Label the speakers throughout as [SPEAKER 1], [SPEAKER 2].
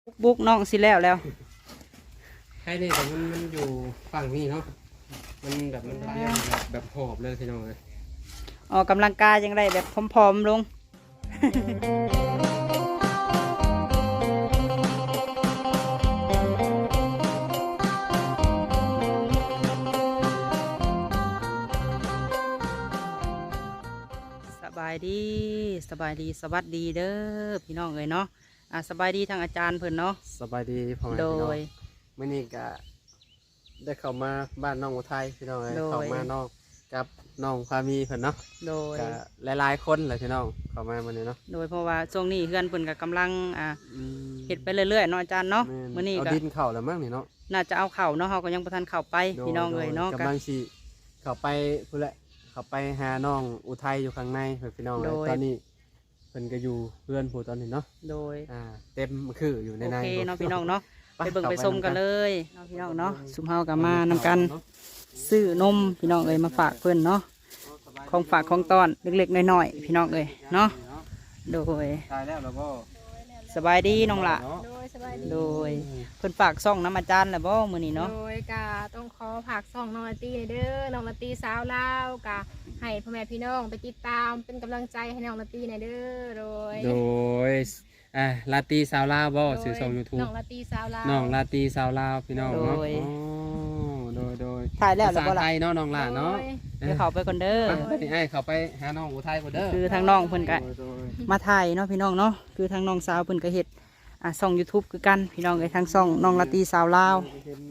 [SPEAKER 1] บุกน้องสิแล้ว
[SPEAKER 2] ใช่เนี่ยแต่มันอยู่ฝั่งนี้เนาะมันแบบมันเรียกแบบหอบเลยพี่น้องเลย
[SPEAKER 1] ออกกำลังกายยังได้แบบพร้อมๆลงสบายดีสวัสดีเด้อพี่น้องเอ้ยเนาะสบายดีทางอาจารย์เพิ่นเนาะ
[SPEAKER 2] สบายดีพ่อแม่พี่น้องเมื่อนี้ก็ได้เข้ามาบ้านน้องอุทัยพี่น้องเลยเข้ามาน้องกับน้องพามีเพิ่นเนาะ
[SPEAKER 1] โดย
[SPEAKER 2] หลายคนเลยพี่น้องเข้ามาวันนี้เนาะ
[SPEAKER 1] โดยเพราะว่าช่วงนี้เฮือนเพิ่นก็กำลังเฮ็ดไปเรื่อยๆเนาะอาจารย์เนาะมื้อนี้ก็
[SPEAKER 2] เอาดินเข้าแล้วมั้งนี่เนาะ
[SPEAKER 1] น่าจะเอาเข้าเนาะเฮาก็ยังบ่ทันเข้าไปพี่น้องเอ้ยเนาะ
[SPEAKER 2] กำลังสิเข้าไปพุ่นแหละเข้าไปหาน้องอุทัยอยู่ข้างในพี่น้องเลยตอนนี้เพิ่นก็อยู่เพื่อนผู้ตอนนี้เนาะ
[SPEAKER 1] โดย
[SPEAKER 2] เต็มคืออยู่ใน
[SPEAKER 1] โอเคเนาะพี่น้องเนาะไปเบิ่งไปชมกันเลยเนาะพี่น้องเนาะสุมเฮาก็มานำกันซื้อนมพี่น้องเอ้ยมาฝากเพิ่นเนาะของฝากของตอนเล็กๆน้อยๆพี่น้องเอ้ยเนาะโดย
[SPEAKER 2] ตายแล้วแล้วก็
[SPEAKER 1] สบายดีน้องละ
[SPEAKER 3] โดยสบายดี
[SPEAKER 1] โดยเพิ่นฝากซ่องน้ำอาจารย์แล้วบ่มื้อนี้เนาะ
[SPEAKER 3] โดยกะต้องขอผักส่องน้องละตีเด้อน้องละตีสาวลาวกะให้พ่อแม่พี่น้องไปติดตามเป็นกำลังใจให้น้องละตีเด้อโดย
[SPEAKER 2] ลาตีสาวลาวบ่สื่อส่ง YouTube
[SPEAKER 3] น้องละตีสาวลาว
[SPEAKER 2] น้องลาตีสาวลาวพี่น้องเนาะโดย
[SPEAKER 1] ถ่ายแล้วแล้วบ่ล่ะ
[SPEAKER 2] ไทยเนาะน้องล่ะเนาะ
[SPEAKER 1] เดี๋ยวเข้าไปก่อนเด้อ
[SPEAKER 2] นี่ไอ้เข้าไปหาน้องอุทัยก่อนเด้อ
[SPEAKER 1] คือทางน้องเพิ่นก็มาถ่ายเนาะพี่น้องเนาะคือทางน้องสาวเพิ่นก็เฮ็ดช่อง YouTube คือกันพี่น้องเอ้ยทางช่องน้องละตีสาวลาว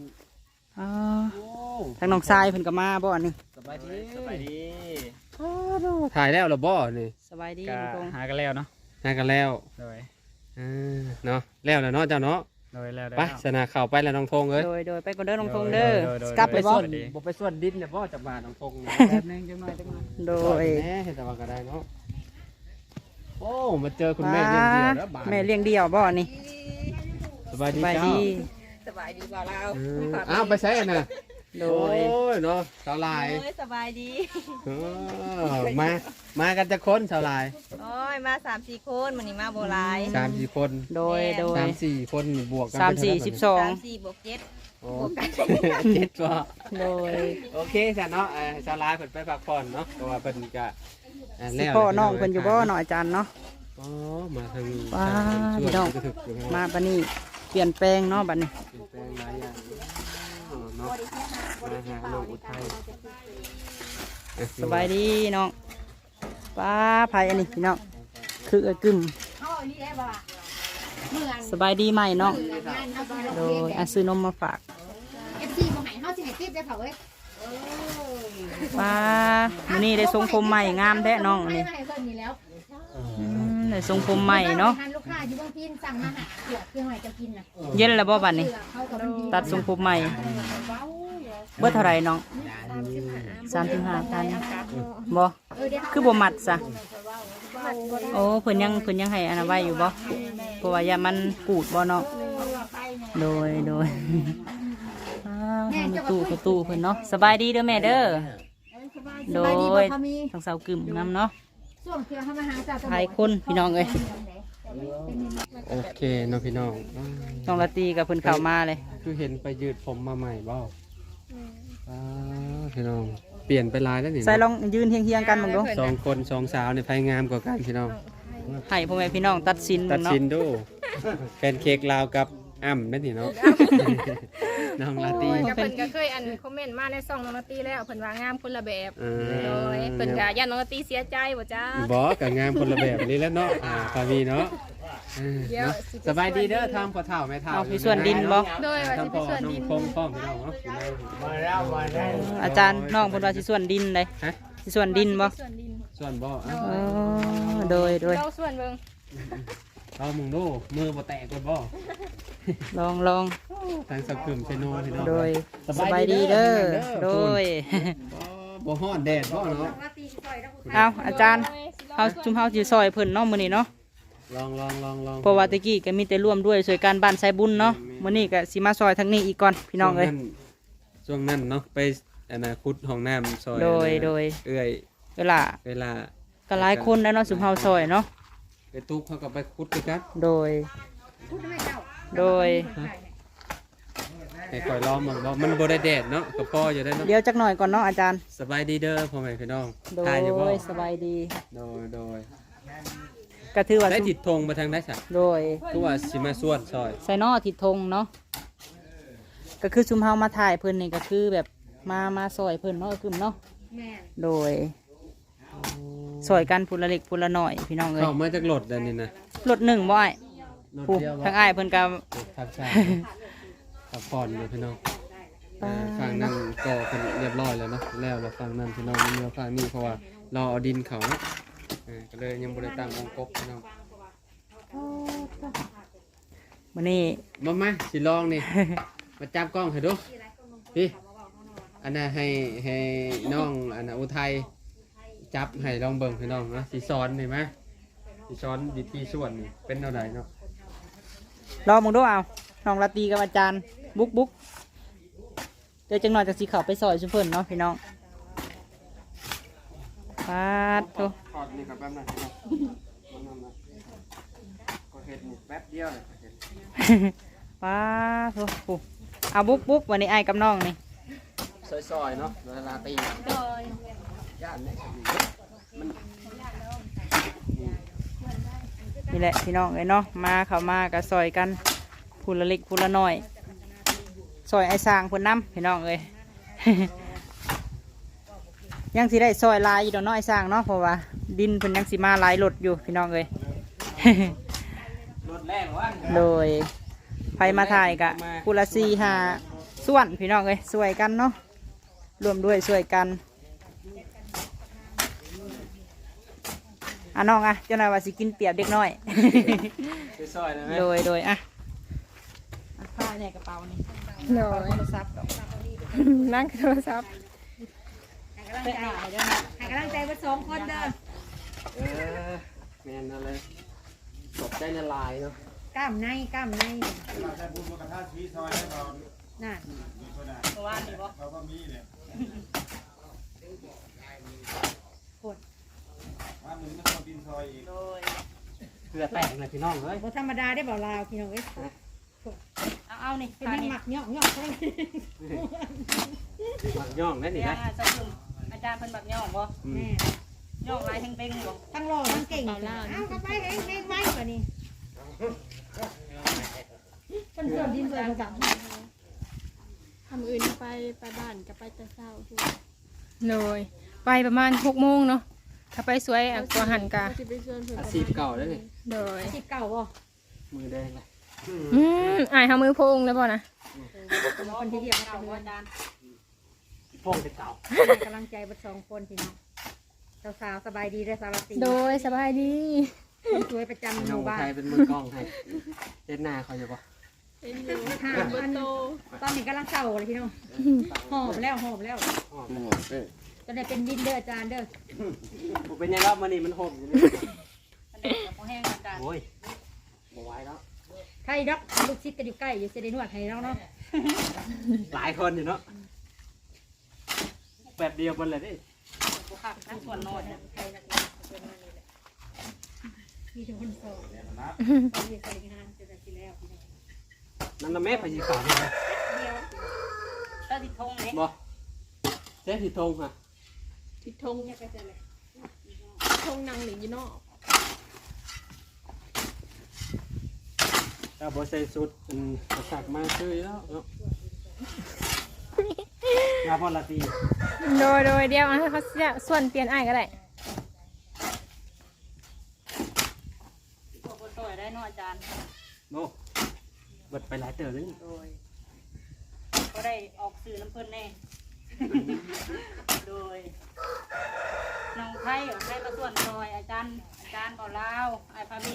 [SPEAKER 1] ทางน้องทรายเพิ่นก็มาบ่อันนี้
[SPEAKER 2] สบายดีถ่ายแล้วเหรอบ่นี่
[SPEAKER 1] สบายดี
[SPEAKER 4] หากันแล้วเนาะ
[SPEAKER 2] หากันแล้ว
[SPEAKER 4] เลย
[SPEAKER 2] เนาะแล้วเนาะเจ้าเนาะไปสนาเข้าไปแล้วน้องธงเอ้ย
[SPEAKER 1] โดยไปก่อนเด้อน้องธงเด้อกลับไปบ่
[SPEAKER 2] บ่ไปส่วนดินเนี่ยบ่จักบาทน้องธง
[SPEAKER 4] แป๊บนึงจังหน่อย
[SPEAKER 1] โดย
[SPEAKER 2] แม่เห็นแต่ว่าก็ได้เนาะโอ้มาเจอคุณแม่เลี้ยงเดี่ยวแล้วบาท
[SPEAKER 1] แม่เลี้ยงเดี่ยวบ่นี่
[SPEAKER 2] สบายดี
[SPEAKER 3] สบายดีบ่าวลาว
[SPEAKER 2] ไปใช้น่ะ
[SPEAKER 1] โดย
[SPEAKER 2] เนาะสาวลาย
[SPEAKER 3] สบายดี
[SPEAKER 2] มากันจะคนสาวลาย
[SPEAKER 3] โอ้ยมา3-4คนมื้อนี้มาบ่หลาย
[SPEAKER 2] 3-4คน
[SPEAKER 1] โดย
[SPEAKER 2] 3-4คนบวกกัน
[SPEAKER 1] 3-4 12
[SPEAKER 3] 4 บวก 7
[SPEAKER 2] บวกกัน7บ่
[SPEAKER 1] โดย
[SPEAKER 2] โอเคจ้ะเนาะสาวลายเพิ่นไปพักผ่อนเนาะเพราะว่าเพิ่นก็
[SPEAKER 1] สิพ่อน้องเพิ่นอยู่บ่เนาะอาจารย์เนาะ
[SPEAKER 2] มาทางนี้
[SPEAKER 1] ว้าพี่น้องมาบัดนี้เปลี่ยนแปลงเนาะบัดนี้
[SPEAKER 2] เปลี่ยนแปลงหลายอย่างเนาะมาหาน้องอุทัย
[SPEAKER 1] สบายดีน้องป้าไผอันนี้พี่น้องคือเอ้ยกึ่มสบายดีไหมน้องโดยซื้อนมมาฝากป้ามื้อนี้ได้ทรงผมใหม่งามแท้น้องอันนี้ได้ทรงผมใหม่เนาะเย็นแล้วบ่บัดนี้ตัดทรงผมใหม่เบิดเท่าไรน้อง35,000บ่คือบ่มัดซะโอ้เพิ่นยังให้อันนั้นไว้อยู่บ่เพราะว่าอย่ามันกูดบ่เนาะโดยตู้เพิ่นเนาะสบายดีเด้อแม่เด้อโดยทางสาวกึ่มนำเนาะหลายคนพี่น้องเอ้ย
[SPEAKER 2] โอเคน้องพี่น้อง
[SPEAKER 1] น้องละตีกับเพิ่นเข้ามาเลย
[SPEAKER 2] คือเห็นไปยืดผมมาใหม่บ่พี่น้องเปลี่ยนไปลายแล้วนี่
[SPEAKER 1] ใส่ลองยืนเฮียงๆกันมึงดู
[SPEAKER 2] 2 คน2 สาวในไผงามกว่ากันพี่น้อง
[SPEAKER 1] ให้พ่อแม่พี่น้องตัดสิน
[SPEAKER 2] ดูแพนเค้กลาวกับอ้ำนั่นนี่เนาะน้องลาตี
[SPEAKER 3] เพิ่นก็เคยคอมเมนต์มาในช่องน้องละตีแล้วเพิ่นว่างามคนละแบบโดยเพิ่นก็ย่านน้องละตีเสียใจบ่จ้า
[SPEAKER 2] บ่ก็งามคนละแบบนี่แล้วเนาะพามีเนาะสบายดีเด้อทำพ่อเฒ่าแม่เฒ่า
[SPEAKER 1] มีส่วนดินบ่
[SPEAKER 3] โดยว่าสิเป็นส่วนดิน
[SPEAKER 2] พร้อมพี่น้องเนาะ
[SPEAKER 4] มาแล้ว
[SPEAKER 1] อาจารย์น้องเพิ่นว่าสิส่วนดินได้สิส่วนดินบ่
[SPEAKER 2] ส่วนบ่
[SPEAKER 1] โดย
[SPEAKER 3] เราส่วนเบิ่ง
[SPEAKER 2] เอามึงดูมือบ่แตกกดบ่
[SPEAKER 1] ลอง
[SPEAKER 2] ทางสักกึ่มเซโนพี่น้อง
[SPEAKER 1] โดยสบายดีเด้อโดย
[SPEAKER 2] บ่ฮ้อนแดดบ่เนาะ
[SPEAKER 1] เอาอาจารย์เฮาจุ่มเฮาสิซอยเพิ่นเนาะมื้อนี้เนาะ
[SPEAKER 2] ลอง
[SPEAKER 1] เพราะว่าตะกี้ก็มีแต่ร่วมด้วยช่วยกันบ้านไสบุญเนาะมื้อนี้ก็สิมาซอยทางนี้อีกก่อนพี่น้องเอ้ย
[SPEAKER 2] ช่วงนั้นเนาะไปขุดห้องน้ำซอย
[SPEAKER 1] โดย
[SPEAKER 2] เอื้อย
[SPEAKER 1] เวลาก็หลายคนแล้วเนาะสุมเฮาซอยเนาะ
[SPEAKER 2] ไปตุ๊กเขาก็ไปขุดด้วยกัน
[SPEAKER 1] โดยโดย
[SPEAKER 2] ให้คอยลองมันบ่มันบ่ได้แดดเนาะก็พออยู่ได้เนาะ
[SPEAKER 1] เดี๋ยวจักหน่อยก่อนเนาะอาจารย์
[SPEAKER 2] สบายดีเด้อพ่อแม่พี่น้อง
[SPEAKER 1] โด
[SPEAKER 2] ตายอยู่บ่
[SPEAKER 1] ยสบายดี
[SPEAKER 2] โดย
[SPEAKER 1] ก็ถือว่า
[SPEAKER 2] ได้ติดธงมาทางได้ซะ
[SPEAKER 1] โดย
[SPEAKER 2] คือว่าสิมาส่วนซอย
[SPEAKER 1] ไซนอทิดธงเนาะก็คือซุมเฮามาถ่ายเพิ่นนี่ก็คือแบบมาซอยเพิ่นเนาะคือเนาะ
[SPEAKER 3] แม่
[SPEAKER 1] โดยซอยกันพูละเล็กพูละน้อยพี่น้องเอ้ย
[SPEAKER 2] เข้ามาจากรถเด้อนี่นะ
[SPEAKER 1] รถหนึ่งบ่อ้าย
[SPEAKER 2] รถ
[SPEAKER 1] ผู้
[SPEAKER 2] เดียว
[SPEAKER 1] ทางอ้ายเพิ่นก็
[SPEAKER 2] ทางซ้ายพักผ่อนอยู่พี่น้องฝั่งนั้นก็เพิ่นเรียบร้อยแล้วเนาะแล้วฝั่งนั้นพี่น้องมันเหลือฝั่งนี้เพราะว่าเราเอาดินเขาเนาะก็เลยยังบ่ได้ตั้งวงกบพี่น้อง
[SPEAKER 1] มื้อนี้
[SPEAKER 2] มาสิลองนี่ มาจับกล้องให้ดูพี่อันน่ะให้น้องอันน่ะอุทัยจับให้ลองเบิ่งพี่น้องนะสิสอนนี่มั้ยสิสอนวิธีส่วนนี่เป็นเท่าใดเนาะ
[SPEAKER 1] รอมึงดูเอาน้องลาตรีกับอาจารย์บุกเดี๋ยวจังหน่อยจะสิเข้าไปซอยซุเพิ่นเนาะพี่น้องปาดโต
[SPEAKER 2] ถอดนี่ครับแป๊บนึงพี่น้องก็เฮ็ดนี่แป๊บเดียวเลยเฮ็ด
[SPEAKER 1] ปาดโตผู้เอาบุกวันนี้อ้ายกับน้องนี่
[SPEAKER 2] ซอยๆเนาะเวลาตี
[SPEAKER 3] โดย
[SPEAKER 2] ย่านเนี่ย
[SPEAKER 1] นี่แหละพี่น้องเอ้ยเนาะมาเข้ามาก็ซอยกันพูละเล็กพูละน้อยซอยไอ้สร้างเพิ่นนำพี่น้องเอ้ย ยังสิได้ซอยลายอยู่ดอกเนาะไอ้สร้างเนาะเพราะว่าดินเพิ่นยังสิมาหลายรถอยู่พี่น้องเอ้ย
[SPEAKER 2] รถแรงวะ
[SPEAKER 1] โดยไฟมาถ่ายกะกุละซีหาส่วนพี่น้องเอ้ยสวยกันเนาะรวมด้วยสวยกันอ่ะน้องอ่ะเจ้านายว่าสิกินเปรียบเด็กน้อย
[SPEAKER 2] ซอยๆได้ไหม
[SPEAKER 1] โดยอ่ะผ้าเนี่ยกระเป๋านี่
[SPEAKER 3] โดย
[SPEAKER 1] โทรศัพท์ดอก
[SPEAKER 3] นั่งโทรศัพท์
[SPEAKER 1] เป๊ะหน่อยเด้อนะ
[SPEAKER 5] ให้กำลังใจว่า2คนเด้อ
[SPEAKER 2] แม่นอะไรตกใจในลายเนาะ
[SPEAKER 5] กล้ามในน่ะ
[SPEAKER 1] เพราะว่านี่บ่ โดย
[SPEAKER 2] เพื่อแตกเลยพี่น้องเอ้ย
[SPEAKER 5] บ่ธรรมดาได้บ่ลาวพี่น้องเอ้ย
[SPEAKER 1] เอานี่
[SPEAKER 5] เป็น
[SPEAKER 1] ผ้า
[SPEAKER 5] ยัง
[SPEAKER 1] นี่
[SPEAKER 5] หมักย่องๆทั้ง
[SPEAKER 2] หมักย่องนั่นนี่
[SPEAKER 1] เนี่ย
[SPEAKER 2] นะ
[SPEAKER 1] จะคุมอาจารย์เพิ่นแบบย่องบ่
[SPEAKER 5] แม่
[SPEAKER 1] ย่องลายเพ่งๆบ่
[SPEAKER 5] ทั้งหล่อทั้งเก่งเอาเข้าไปเฮงๆไว้กว่านี้เพิ่นส่วนดินส่วนกับ
[SPEAKER 3] ทำอื่นไปบ้านก็ไปแต่เช้าทุกโดยไปประมาณ6 โมงเนาะถ้าไปสวยกว่าหันกะ
[SPEAKER 2] อาชีพเก่าแล้วนี่
[SPEAKER 3] โดย
[SPEAKER 5] สิบเก่าบ่
[SPEAKER 2] มือแดงเลย
[SPEAKER 3] อายเฮามือโพงแล้วบ่นะ
[SPEAKER 5] คนที่เดียว
[SPEAKER 1] เก่า
[SPEAKER 5] กัน
[SPEAKER 1] บ่
[SPEAKER 5] เลย
[SPEAKER 1] อาจารย์
[SPEAKER 2] พวกเก่า
[SPEAKER 5] ให้กำลังใจเบ่2คนพี่น้องสาวๆสบายดีเด้อสาวตี
[SPEAKER 3] โดยสบายดี
[SPEAKER 5] คนสวยประจำห
[SPEAKER 2] น้อง
[SPEAKER 5] มู่บ้า
[SPEAKER 2] ไท
[SPEAKER 5] น
[SPEAKER 2] ยเป็นมือกล้องให้เต้นหน้าเขาอยู่ปะ
[SPEAKER 3] เป็นอยู่
[SPEAKER 5] ห้าอันตอนนี้กำลังเศร้าเลยพี่น้องหอบแล้วจะได้เป็นดินเด้ออาจารย์เด้อ
[SPEAKER 2] ผมเป็นยังไงมันนี่มันห่มอยู่นี่
[SPEAKER 1] อันนี้กับบ่แห้งอาจารย์
[SPEAKER 2] โอ้ยบ่ไหวแล้ว
[SPEAKER 5] ใครดอกลูกชิดก็อยู่ใกล้อยู่เสได็จนวดให้เราเนาะ
[SPEAKER 2] หลายคนอยู่เนาะแบบเดียวกันเลยดิ
[SPEAKER 1] บ่คักนะส่วนน้อยนะ
[SPEAKER 5] มีทุกคนโสดมีใส่งานจะได้กินแล้วพี่น้อง
[SPEAKER 2] นั่นน่ะแม่พยีขาวนี่นะ
[SPEAKER 1] ตาติดธงนี่
[SPEAKER 2] บ่เจ๊ผิดธงฮะ
[SPEAKER 3] ทิดทงทงนางหรือยี่นอก
[SPEAKER 2] ถ้าบ่ใส่สุดกระสักมาซื้อแล้วเนาะงาพอละตี
[SPEAKER 3] โดยเดียวให้เขาส่วนเปลี่ยนอ้ายก็ได้
[SPEAKER 1] พวกคนสวยได้เนาะอาจารย์
[SPEAKER 2] โน่เบิดไปหลายเต๋อเลย
[SPEAKER 1] โดยก็ได้ออกสื่อน้ำเพิ่นแน่ โดยน้องไทยให้มาส่วนซอยอาจารย์บ่ลาวไอ้พามี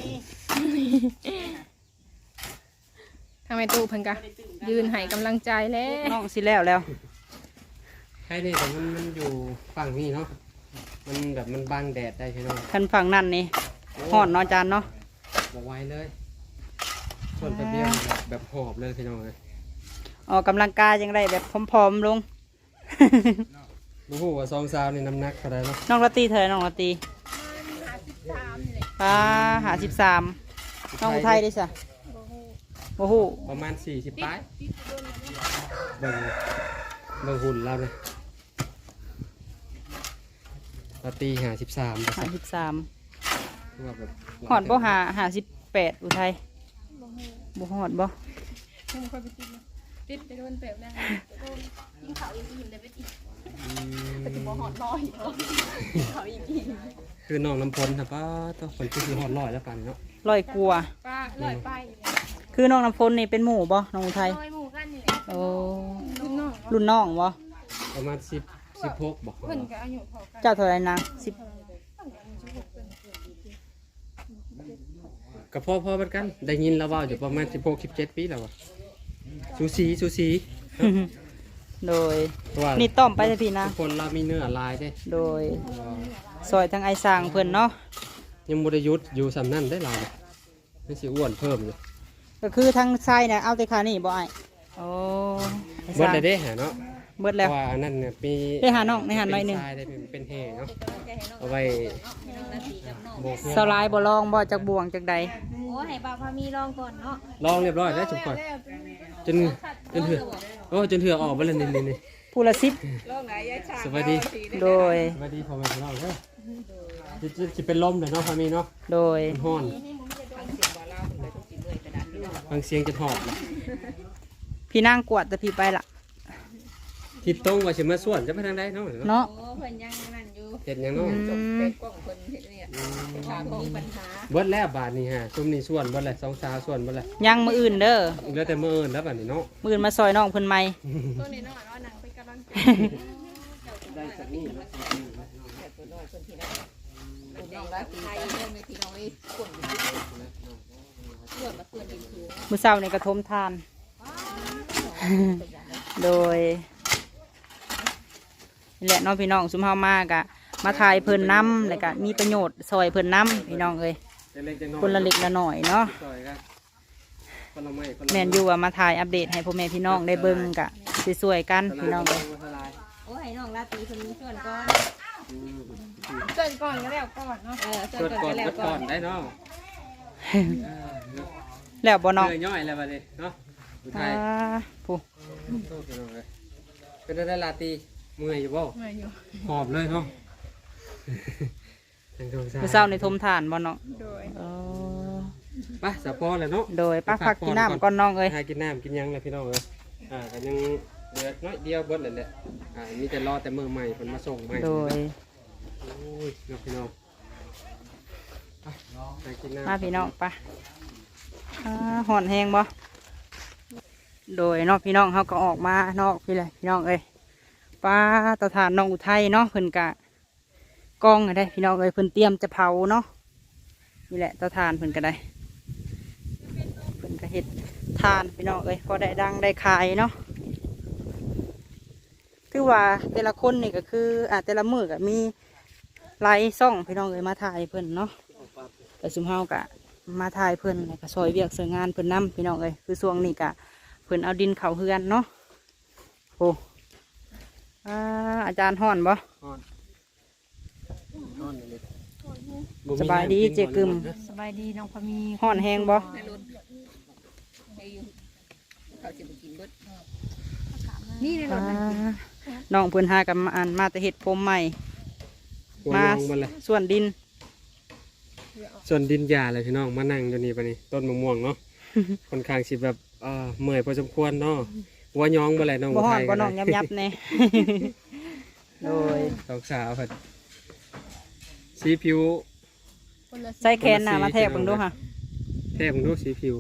[SPEAKER 3] ทางแม่ตู้เพิ่นกะยืนให้กำลังใจแล้ว
[SPEAKER 1] น้องสิแล้ว
[SPEAKER 2] ใช่นี่แต่มันอยู่ฝั่งนี้เนาะมันแบบมันบังแดดได้ใช่ไหม
[SPEAKER 1] คันฝั่งนั่นนี่ฮ้อนเนาะอาจารย์เนาะ
[SPEAKER 2] บ่ไหวเลยส่วนแป๊บเดียวแบบหอบเลยพี่น้องเลย
[SPEAKER 1] ออกกำลังกายยังได้แบบพร้อมๆลง
[SPEAKER 2] โอ้โหว่าซองซาวนี่น้ำหนักเท่าไรเนาะ
[SPEAKER 1] น้องละตีเท่าไหร่น้องละตี53น้องอุทัยได้ซะโอ้โห
[SPEAKER 2] ประมาณ40ปลายเบิ่งหุ่นเราเลยเราตี53
[SPEAKER 1] 53
[SPEAKER 2] ว่าแบบ
[SPEAKER 1] หอดบ่58อุทัยบ่หอดบ่
[SPEAKER 3] มึงคอยไปติดไปโดนเปลวนะโดนยิงเขาอีกทีเลยไปติดไปถึงบ่หอดลอยเขาอีกที
[SPEAKER 2] คือน้องน้ำพลนะป้าต้องคนที่คือหอดลอยแล้วกันเนาะ
[SPEAKER 1] ลอยกลัว
[SPEAKER 3] ป้าลอยไป
[SPEAKER 1] คือน้องน้ำฝนนี่เป็นหมู่บ่น้องอุทัย
[SPEAKER 3] ลอยหมู่กันนี่แหละ
[SPEAKER 1] โอ้
[SPEAKER 3] รุ่นน้อง
[SPEAKER 1] รุ่นน้องบ่
[SPEAKER 2] ประมาณ16บอก
[SPEAKER 3] เพิ่นก็อายุเท่ากัน
[SPEAKER 1] เจ้าเท่าไหร่นาง
[SPEAKER 2] กับพ่อเป็นกันได้ยินแล้วว่าอยู่ประมาณ16-17 ปีแล้ววะสูสี
[SPEAKER 1] โดย
[SPEAKER 2] ว่า
[SPEAKER 1] นี่ต้อมไปเลยพี่นะ
[SPEAKER 2] ทุกคนเรามีเนื้อลายเด้
[SPEAKER 1] โดยซอยทั้งไอ้สร้างเพิ่นเนาะ
[SPEAKER 2] ยังบ่ได้หยุดอยู่สำนั่นได้ลายไม่สิอ้วนเพิ่มอยู่
[SPEAKER 1] ก็คือทั้งไส้เนี่ยเอาแต่ขานี่บ่ไอ้โอ้ไอ้ส
[SPEAKER 2] เบิด
[SPEAKER 1] ร้าง
[SPEAKER 2] เลยเด้หาเนาะ
[SPEAKER 1] เบิด
[SPEAKER 2] เพ
[SPEAKER 1] แล้ว
[SPEAKER 2] ราะว่าอันนั้นเนี่ยมี
[SPEAKER 1] ได้หาน้องในหันหน่อยหนึ่ง
[SPEAKER 2] เป็ทรายได้เป็นแห่เนาะเอาไว้โบก
[SPEAKER 1] สลายบ่ลองบ่จากบ่วงจากใด
[SPEAKER 5] โอ้ให้บ่าวพามีลองก่อนเนาะ
[SPEAKER 2] ลองเรียบร้อยแล้วจุกก่อนจนเถื่อโอ้จนเถื่อออกไปเลยนี่
[SPEAKER 1] ผู้ละ10
[SPEAKER 2] สวัสดี
[SPEAKER 1] โดย
[SPEAKER 2] สวัสดีพ่อแม่พี่น้องเด้อจะเป็นลมเด้อเนาะพามีเนาะ
[SPEAKER 1] โดย
[SPEAKER 2] มันฮ้อนฟังเสียงจะหอบเลย
[SPEAKER 1] พี่นางกวาดแต่พี่ไปละ
[SPEAKER 2] ทิศตรงว่าสิมาส่วนจะไปทางใดเนาะ
[SPEAKER 1] เนาะ
[SPEAKER 5] โอ้เพิ่นยังนั่นอยู่
[SPEAKER 2] เฮ็ดหยังเนาะ
[SPEAKER 5] เป็นกล้องเพิ่นเฮ็ดเนี่ยถามมีปัญหา
[SPEAKER 2] เบิดแล้วบาทนี่ฮะซุมนี่ส่วนเบิดแล้ว2 สาวส่วนเบิดแล้ว
[SPEAKER 1] ยังมืออื่นเด้อ
[SPEAKER 2] เหลือแต่มื้ออื่นแล้วบาดนี้เนาะ
[SPEAKER 1] มืออื่นมาซอยน้องเพิ่นใหม่
[SPEAKER 3] ตัวนี้น้อยว่าหนังเป็นกำลังใจ
[SPEAKER 2] ได้สักนี่
[SPEAKER 5] น้องรักไทยเรื่องในที่น้องนี่คนเพื่อนมาเพื่อนดีคือ
[SPEAKER 1] มื้อเช้านี่กระทมทาน โดยนี่แหละเน้องพี่น้องซุมเฮามากะมาถ่ายเพิ่นน้ำแล้วก็มีประโยชน์ซอยเพิ่นน้ำพี่น้องเอ้ย
[SPEAKER 2] เล็กๆน้อยๆ
[SPEAKER 1] คนละเล็กละหน่อยเนาะ
[SPEAKER 2] ซอยกันคนละไม้คนละ
[SPEAKER 1] แม่นอยู่ว่ามาถ่ายอัปเดตให้พ่อแม่พี่น้องได้เบิ่งกะสวยๆกันพี่น้องเอ้ย
[SPEAKER 5] โอ้ให้น้องราตรีเพิ่นชวนก่อน
[SPEAKER 3] เกินก่อนก็แล้วก่อนเนาะ
[SPEAKER 5] ช
[SPEAKER 2] ก
[SPEAKER 5] วน
[SPEAKER 2] ด
[SPEAKER 5] ก่อน
[SPEAKER 2] ก่อน
[SPEAKER 5] ก็แล้ว
[SPEAKER 2] กด
[SPEAKER 5] ก่
[SPEAKER 2] ก่
[SPEAKER 5] อ
[SPEAKER 2] อน นได้เนาะ
[SPEAKER 1] แล้วบ่น้อง
[SPEAKER 2] เนื้อย่อยแล้วบัดนี้เนาะอุทั
[SPEAKER 1] อ่าย ผู้
[SPEAKER 2] เป็นได้ลาตีเมื่อยอยู่บ่
[SPEAKER 3] เหนื่อยอยู่
[SPEAKER 2] หอบเลยเนาะ
[SPEAKER 1] มื้อเช้านี่ทมทานบ่น้อง
[SPEAKER 3] โดย
[SPEAKER 1] เออ
[SPEAKER 2] ไปสะพอเลยเนาะ
[SPEAKER 1] โดยป้าพักกินน้ำก่อนน้องเอ้ย
[SPEAKER 2] หากินน้ำกินหยังเลยพี่น้องเอ้ยก็ยังเหลือน้อยเดียวเบิดเลยแหละมีแต่รอแต่มือใหม่เพิ่นมาส่งใหม่
[SPEAKER 1] โดย
[SPEAKER 2] โอ้ยเนาะพี่น้องไปหากินน้ำ
[SPEAKER 1] มาพี่น้องไปห่อนแห้งบ่โดยเนอกพี่น้องเขาก็ออกมานอกพี่เลยพี่น้องเอ้ยป้าเตาถ่านน้องอุทัยเนาะเพิ่นกะกองก็ได้พี่น้องเอ้ยเพิ่นเตรียมจะเผาเนาะนี่แหละเตาถ่านเพิ่นก็ได้เพิ่นก็เฮ็ดทานพี่น้องเอ้ยพอได้ดังได้ขายเนาะคือว่าแต่ละคนนี่ก็คือแต่ละมือก็มีไลฟ์ซ่องพี่น้องเอ้ยมาถ่ายเพิ่นเนาะแต่ซุมเฮากะมาถ่ายเพิ่นแล้วก็ซอยเวียกเสงานเพิ่นนํพี่น้องเอ้ยคือช่วงนี้กะเพิ่นเอาดินเข้าเฮือนเนาะโอ้อาจารย์ฮ้อนบ่สบายดีเจกึม
[SPEAKER 5] สบายดีน้องพามี
[SPEAKER 1] ฮ้อนแห้งบ่
[SPEAKER 5] เขาสิบ่กินเบิดนี่ในรถ
[SPEAKER 1] น้องเพิ่นหากับมาแต่เฮ็ดผมใหม่มา
[SPEAKER 2] มาเลย
[SPEAKER 1] ส่วนดิน
[SPEAKER 2] ส่วนดินหญ้าเลยพี่น้องมานั่งอยู่นี่ปะนี่ต้นมะม่วงเนาะ ค่อนข้างสิแบบเมื่อยพอสมควรเนาะว่าย้องบ่แหละน้อง
[SPEAKER 1] บ่
[SPEAKER 2] อุ
[SPEAKER 1] ฮ้อ
[SPEAKER 2] ทั
[SPEAKER 1] น
[SPEAKER 2] ย
[SPEAKER 1] บ่
[SPEAKER 2] ก็
[SPEAKER 1] น้
[SPEAKER 2] ได้
[SPEAKER 1] องยับๆแน่ โดย
[SPEAKER 2] สองสาวเพิ่นสีผิว
[SPEAKER 3] คนละ
[SPEAKER 1] ใส่แขนหน้ามาแทกเบิ่งดูค่ะ
[SPEAKER 2] แทบมึงดูสีผิว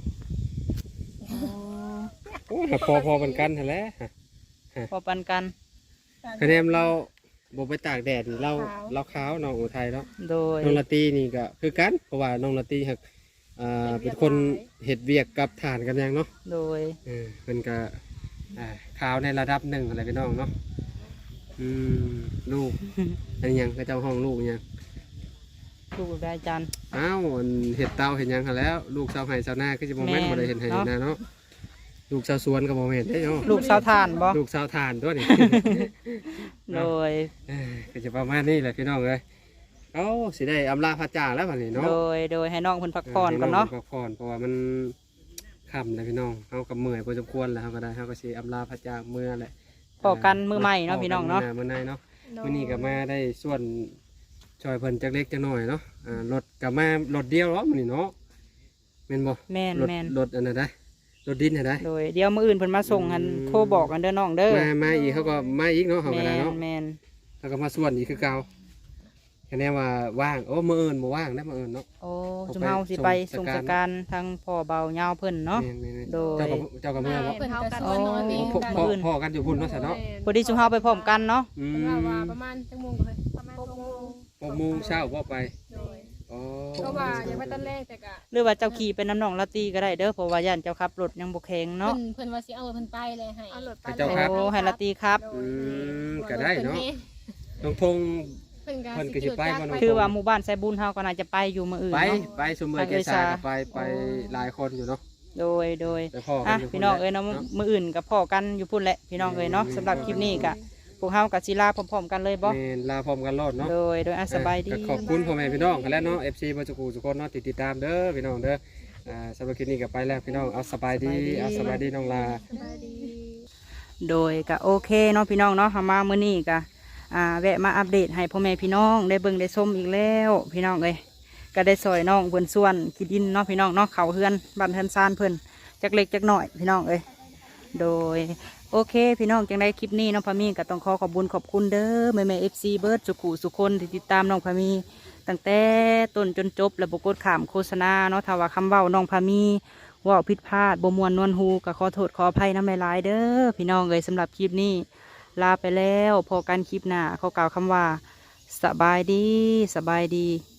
[SPEAKER 2] โอ้ยพอเป็นกันหั่นแหละ
[SPEAKER 1] พอปันกัน
[SPEAKER 2] คะแนนเราบ่ไปตากแดดนี่เราขาวน้องอุทัยเนาะ
[SPEAKER 1] โดย
[SPEAKER 2] น้องละตีนี่ก็คือกันเพราะว่าน้องละตีหักเป็นคนเฮ็ดเวียกกับฐานกันยังเนาะ
[SPEAKER 1] โดย
[SPEAKER 2] มันก็ขาวในระดับหนึ่งอะไรพี่น้องเนาะลูก อันนี้ยังก็เจ้าห้องลูกยัง
[SPEAKER 1] ลูกได้จัน
[SPEAKER 2] อ้าวอันเห็ดเตาเห็นยังหั้นแล้ว ลูกชาวไห่ชาวนาก็จะโมเมนต์
[SPEAKER 1] แม่น
[SPEAKER 2] บ่ได้เห็นไห่
[SPEAKER 1] เนาะ
[SPEAKER 2] นาเนาะลูกชาวสวนก็โมเมนต์ได้เนาะ
[SPEAKER 1] ลูกสาวทานบ่
[SPEAKER 2] ลูกชาวทานตัวนี้
[SPEAKER 1] โดย
[SPEAKER 2] ก็จะประมาณนี้แหละพี่น้องเลยเอ้าสิได้อำลาพระจ่าแล้ววันนี้เนาะ
[SPEAKER 1] โดยให้น้องเพิ่นพักผ่อนก่อนเนาะ
[SPEAKER 2] ให้งพักผ่อนเพราะว่ามันคค่ำเลยพี่น้องเฮาก็เมื่อยพอสมควรแล้วเฮาก็ได้เฮาก็สิอำลาพระจากเมื่อแหละ
[SPEAKER 1] พอกันมื้อใหม่เนาะพี่น้องเนาะ
[SPEAKER 2] มื้อในเนาะมื้อนี้ก็มาได้ส่วนช่วยเพิ่นจักเล็กจักน้อยเนาะรถก็มารถเดียวเนาะมื้อนี้เนาะแม่นบ่
[SPEAKER 1] แม่น
[SPEAKER 2] รถ
[SPEAKER 1] แม่น
[SPEAKER 2] รถอันนั้นได้รถดินน่ะได้
[SPEAKER 1] โดยเดี๋ยวมื้ออื่นเพิ่นมาส่งหันโทรบอกกันเด้อน้องเด้อ
[SPEAKER 2] มาอีกเขาก็มาอีกเนาะเฮาก็
[SPEAKER 1] แม่
[SPEAKER 2] ได้
[SPEAKER 1] น
[SPEAKER 2] เนาะ
[SPEAKER 1] แม่น
[SPEAKER 2] เขาก็มาส่วนอีกคือเก่าคะแนนว่าว่างโอ้มื้ออื่นบ่ว่างได้มื้ออื่นเนาะ
[SPEAKER 1] โอ้จุมเฮาสิไปส่งสการทางพ่อเบายาวเพิ่นเนาะ
[SPEAKER 2] แม่นๆ
[SPEAKER 1] โดย
[SPEAKER 2] เจ้าก็เมื่อบ่
[SPEAKER 3] เพิ่นก็
[SPEAKER 1] อ๋
[SPEAKER 3] ส่
[SPEAKER 1] อ
[SPEAKER 3] วนน้อยตี
[SPEAKER 2] พ่อ
[SPEAKER 3] กัน
[SPEAKER 2] พ่อกันอยู่พุ่นเนาะซะเนาะ
[SPEAKER 1] พอดีจุมเฮาไปพร้อมกันเนาะ
[SPEAKER 2] อื
[SPEAKER 3] เพิ่น
[SPEAKER 2] ม
[SPEAKER 3] ว่าประมาณจังโมงก็เลยประมาณ6 โมง
[SPEAKER 2] 6 โมงเช้าบ่ไป
[SPEAKER 3] โดย
[SPEAKER 2] อ๋อ
[SPEAKER 3] ก็ว่าอยากไปตอนแรกแต่ก็
[SPEAKER 1] หรือว่าเจ้าขี่เป็นน้ำหนองละตีก็ได้เด้อเพราะว่าย่านเจ้าขับรถยังบ่แข็งเนาะ
[SPEAKER 3] เพิ่นว่าสิเอาเพิ่นไปเลยให้เอารถไป
[SPEAKER 2] เจ้าครับ
[SPEAKER 1] โอ้ให้ละตีครับ
[SPEAKER 2] อืมก็ได้เนาะน้องทง
[SPEAKER 3] เพิ่น
[SPEAKER 2] เพิ่นก็สิไปบ่เนาะ
[SPEAKER 1] คือว่าหมู่บ้านไซบุญเฮาก็น่าจะไปอยู่มื้ออื่น
[SPEAKER 2] ไป
[SPEAKER 1] เนาะ
[SPEAKER 2] ไปสมมือแกชาก็ไปหลายคนอยู่เนาะ
[SPEAKER 1] โดย
[SPEAKER 2] ไปพ่อกั
[SPEAKER 1] อ่ะ
[SPEAKER 2] นอยู่
[SPEAKER 1] พี่น้องเอ้ยเนาะมื้ออื่นก็พ้อกันอยู่พุ่นแหละพี่น้องเอ้ยเนาะสำหรับคลิปนี้ก็พวกเฮาก็สิลาพร้อมๆกันเลยบ่
[SPEAKER 2] แม่นลาพร้อมกันรอดเนาะ
[SPEAKER 1] โดยสบายดี
[SPEAKER 2] ก็ขอบคุณพ่อแม่พี่น้องกันแล้วเนาะ FC บ่จุกูทุกคนเนาะติดตามเด้อพี่น้องเด้อสำหรับคลิปนี้ก็ไปแล้วพี่น้องเอาสบายดีเอาสบายดีน้องลา
[SPEAKER 3] สบายดี
[SPEAKER 1] โดยก็โอเคเนาะพี่น้องเนาะเฮามามื้อนี้ก็แวะมาอัปเดตให้พ่อแม่พี่น้องได้เบิ่งได้ชมอีกแล้วพี่น้องเอ้ยก็ได้ซอยน้องเพิ่นส่วนขี้ดินเนาะพี่น้องเนาะเขาเฮือนบ้านเฮือนซานเพิ่นจักเล็กจักน้อยพี่น้องเอ้ยโดยโอเคพี่น้องจังได้คลิปนี้น้องพามีก็ต้องขอบุญขอบคุณเด้อแม่FC เบิร์ดสุขุสุคนที่ติดตามน้องพามีตั้งแต่ต้นจนจบและบ่กดข้ามโฆษณาเนาะถ้าว่าคำเว้าน้องพามีเว่าผิดพลาดบ่ม่วนนวลหูก็ขอโทษขออภัยนำหลายๆเด้อพี่น้องเอ้ยสำหรับคลิปนี้ลาไปแล้วพอกันคลิปหน้าขอกล่าวคำว่าสบายดี